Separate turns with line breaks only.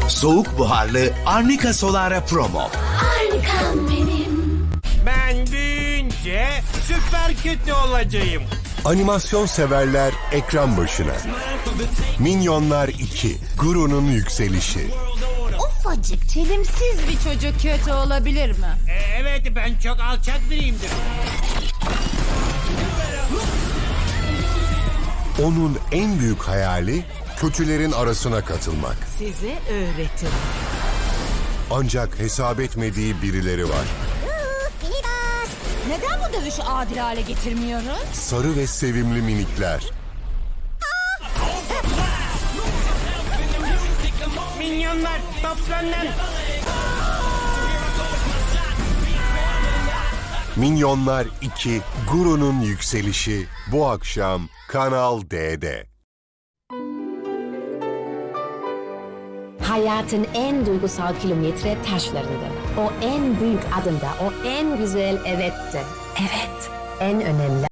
Soğuk buharlı Arnica Solara Promo.
Harikam benim.
Ben büyüyünce süper kötü olacağım.
Animasyon severler ekran başına. Minyonlar 2, Guru'nun yükselişi.
Ufacık, çelimsiz bir çocuk kötü olabilir mi?
Evet, ben çok alçak biriyimdir.
Onun en büyük hayali kötülerin arasına katılmak.
Size öğretirim.
Ancak hesap etmediği birileri var.
Neden bu dövüşü adil hale getirmiyoruz?
Sarı ve sevimli minikler.
Minyonlar toplanın.
Minyonlar 2, Guru'nun yükselişi bu akşam Kanal D'de.
Hayatın en duygusal kilometre taşlarında. O en büyük adımda, o en güzel evette. Evet, en önemli